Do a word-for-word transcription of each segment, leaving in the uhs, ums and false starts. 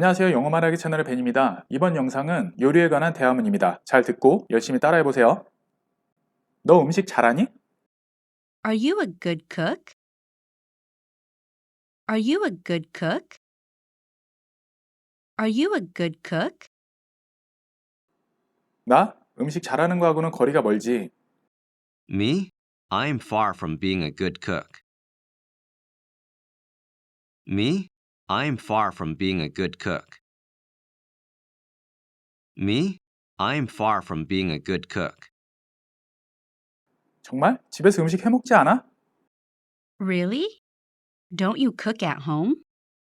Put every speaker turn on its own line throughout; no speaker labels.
안녕하세요. 영어 말하기 채널의 벤입니다. 이번 영상은 요리에 관한 대화문입니다. 잘 듣고 열심히 따라해보세요. 너 음식 잘하니?
Are you a good cook? Are you a good cook? Are you a good cook?
나? 음식 잘하는 거하고는 거리가 멀지.
Me? I'm far from being a good cook. Me? I'm far from being a good cook. Me? I'm far from being a good cook.
정말? 집에서 음식 해먹지 않아?
Really? Don't you cook at home?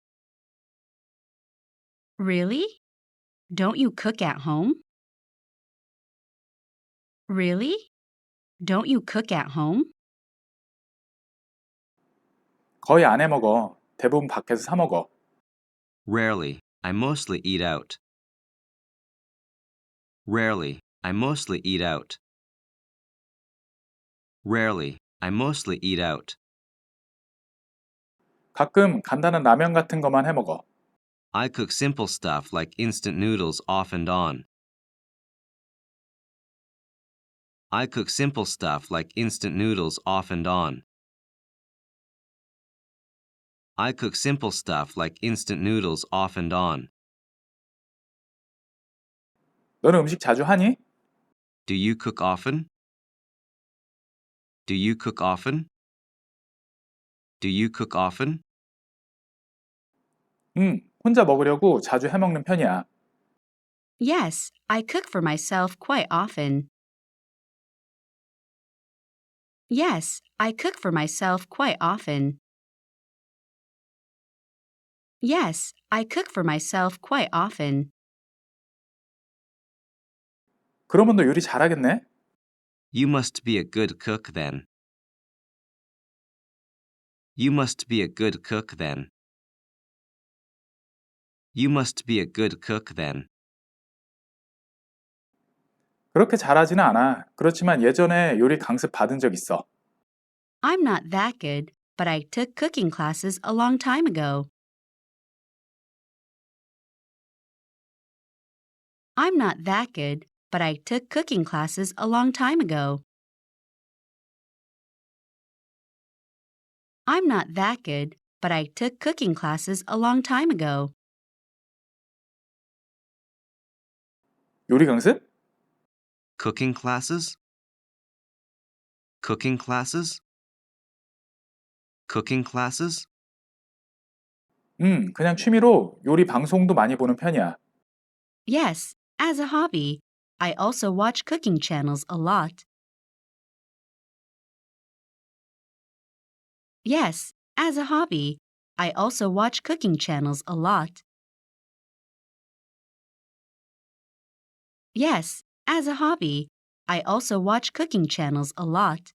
Really? Don't you cook at home? Really? Don't you cook at home?
거의 안 해먹어. 대부분 밖에서 사 먹어.
Rarely. I mostly eat out. Rarely. I mostly eat out. Rarely. I mostly eat out.
가끔 간단한 라면 같은 거만 해먹어.
I cook simple stuff like instant noodles off and on. I cook simple stuff like instant noodles off and on. I cook simple stuff like instant noodles off and on.
너는 음식 자주 하니?
Do you cook often? Do you cook often? Do you cook often?
응, 혼자 먹으려고 자주 해먹는 편이야.
Yes, I cook for myself quite often. Yes, I cook for myself quite often. Yes, I cook for myself quite often.
그러면 너 요리 잘하겠네?
You must be a good cook then. You must be a good cook then. You must be a good cook then.
그렇게 잘하지는 않아. 그렇지만 예전에 요리 강습 받은 적 있어.
I'm not that good, but I took cooking classes a long time ago. I'm not that good, but I took cooking classes a long time ago. I'm not that good, but I took cooking classes a long time ago.
요리 강습?
Cooking classes? Cooking classes? Cooking classes?
응, 그냥 취미로 요리 방송도 많이 보는 편이야.
Yes, as a hobby. I also watch cooking channels a lot. Yes, as a hobby. I also watch cooking channels a lot. Yes, as a hobby. I also watch cooking channels a lot.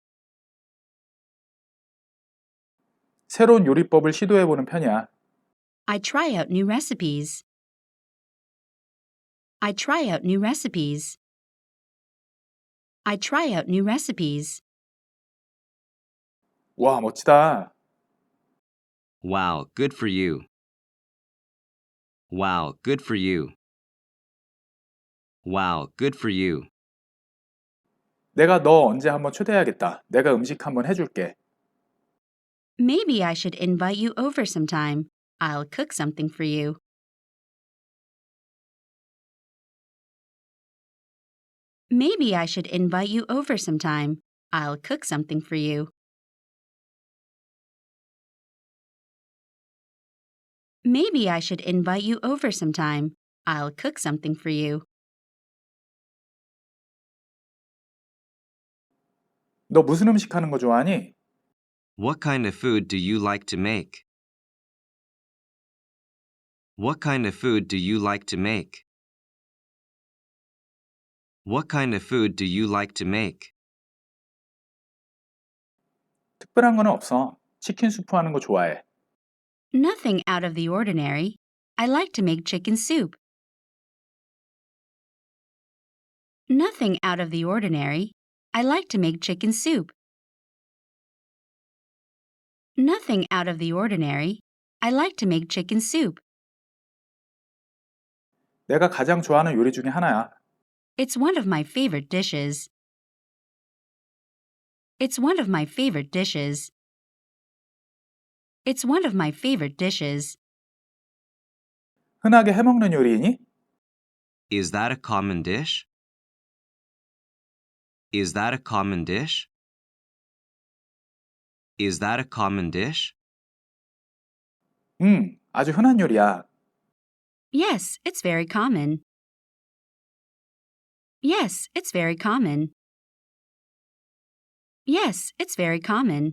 새로운 요리법을 시도해보는 편이야.
I try out new recipes. I try out new recipes. I try out new recipes.
와, 멋지다.
Wow, good for you. Wow, good for you. Wow, good for you.
내가 너 언제 한번 초대해야겠다. 내가 음식 한번 해줄게.
Maybe I should invite you over sometime. I'll cook something for you. Maybe I should invite you over sometime. I'll cook something for you. Maybe I should invite you over sometime. I'll cook something for you.
너 무슨 음식 하는 거 좋아하니?
What kind of food do you like to make? What kind of food do you like to make? What kind of food do you like to make?
특별한 거는 없어. 치킨 수프 하는 거 좋아해.
Nothing out of the ordinary. I like to make chicken soup. Nothing out of the ordinary. I like to make chicken soup. Nothing out of the ordinary. I like to make chicken soup.
내가 가장 좋아하는 요리 중에 하나야.
It's one of my favorite dishes. It's one of my favorite dishes. It's one of my favorite dishes.
흔하게 해먹는 요리이니?
Is that a common dish? Is that a common dish? Is that a common dish?
음, 아주 흔한 요리야.
Yes, it's very common. Yes, it's very common. Yes, it's very common.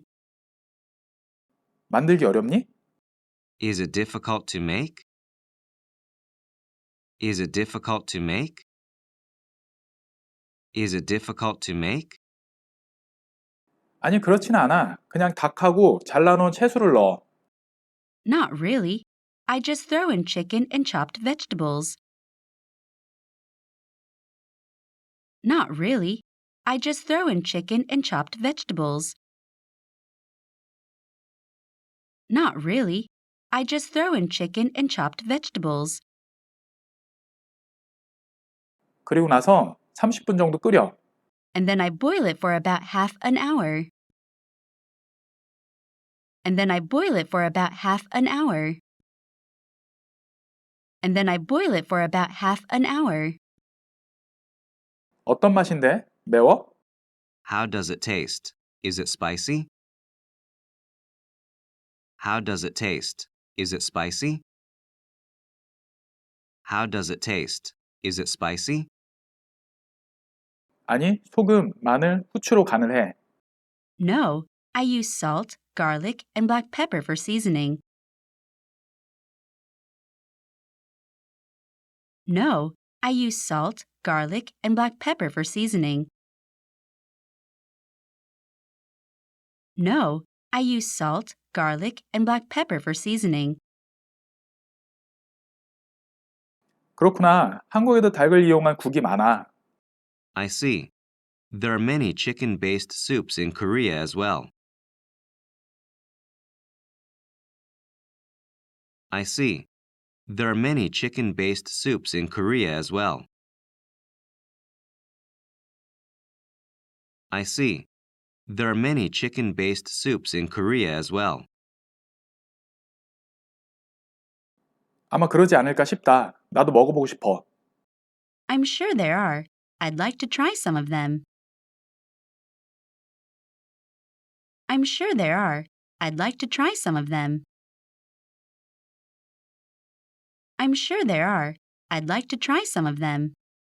만들기 어렵니?
Is it difficult to make? Is it difficult to make? Is it difficult to make?
아니, 그렇진 않아. 그냥 닭하고 잘라놓은 채소를 넣어.
Not really. I just throw in chicken and chopped vegetables. Not really. I just throw in chicken and chopped vegetables. Not really. I just throw in chicken and chopped vegetables.
그리고 나서 삼십 분 정도 끓여.
And then I boil it for about half an hour. And then I boil it for about half an hour. And then I boil it for about half an hour.
어떤 맛인데? 매워?
How does it taste? Is it spicy? How does it taste? Is it spicy? How does it taste? Is it spicy?
아니, 소금, 마늘, 후추로 간을 해.
No, I use salt, garlic, and black pepper for seasoning. No, I use salt, garlic, and black pepper for seasoning. No, I use salt, garlic, and black pepper for seasoning.
그렇구나. 한국에도 닭을 이용한 국이 많아.
I see. There are many chicken-based soups in Korea as well. I see. There are many chicken-based soups in Korea as well. I see. There are many chicken-based soups in Korea as well.
아마 그러지 않을까 싶다. 나도 먹어보고 싶어.
I'm sure there are. I'd like to try some of them. I'm sure there are. I'd like to try some of them. I'm sure there are. I'd like to try some of them.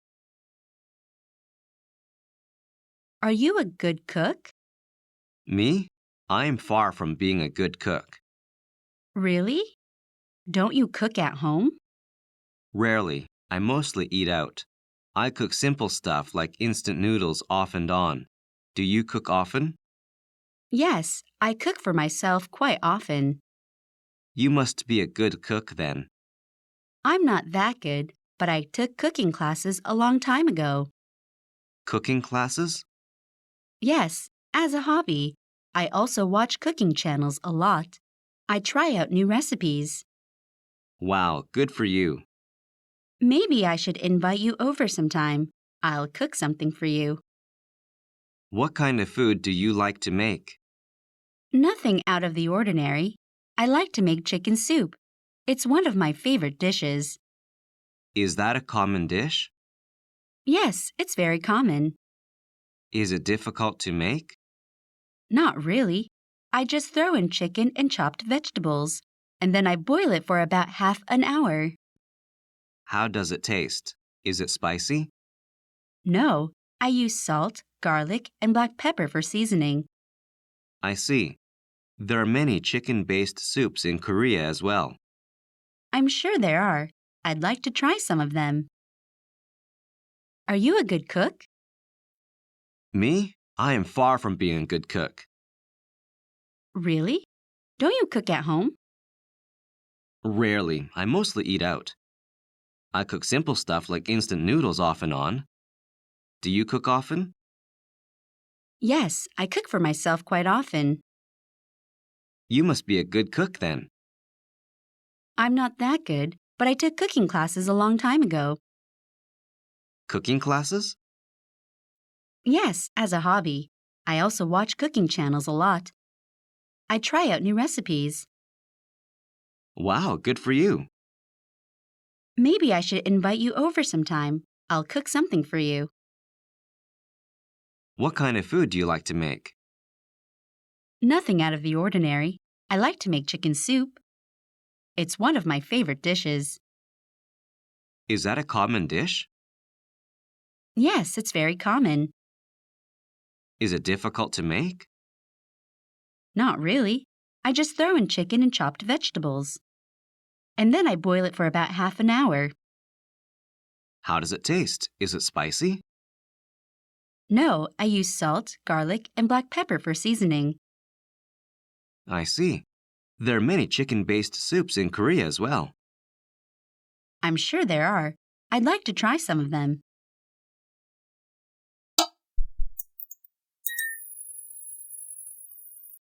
Are you a good cook?
Me? I am far from being a good cook.
Really? Don't you cook at home?
Rarely. I mostly eat out. I cook simple stuff like instant noodles off and on. Do you cook often?
Yes, I cook for myself quite often.
You must be a good cook then.
I'm not that good, but I took cooking classes a long time ago.
Cooking classes?
Yes, as a hobby. I also watch cooking channels a lot. I try out new recipes.
Wow, good for you.
Maybe I should invite you over sometime. I'll cook something for you.
What kind of food do you like to make?
Nothing out of the ordinary. I like to make chicken soup. It's one of my favorite dishes.
Is that a common dish?
Yes, it's very common.
Is it difficult to make?
Not really. I just throw in chicken and chopped vegetables, and then I boil it for about half an hour.
How does it taste? Is it spicy?
No, I use salt, garlic, and black pepper for seasoning.
I see. There are many chicken-based soups in Korea as well.
I'm sure there are. I'd like to try some of them. Are you a good cook?
Me? I am far from being a good cook.
Really? Don't you cook at home?
Rarely. I mostly eat out. I cook simple stuff like instant noodles off and on. Do you cook often?
Yes, I cook for myself quite often.
You must be a good cook then.
I'm not that good, but I took cooking classes a long time ago.
Cooking classes?
Yes, as a hobby. I also watch cooking channels a lot. I try out new recipes.
Wow, good for you.
Maybe I should invite you over sometime. I'll cook something for you.
What kind of food do you like to make?
Nothing out of the ordinary. I like to make chicken soup. It's one of my favorite dishes.
Is that a common dish?
Yes, it's very common.
Is it difficult to make?
Not really. I just throw in chicken and chopped vegetables. And then I boil it for about half an hour.
How does it taste? Is it spicy?
No, I use salt, garlic, and black pepper for seasoning.
I see. There are many chicken-based soups in Korea as well.
I'm sure there are. I'd like to try some of them.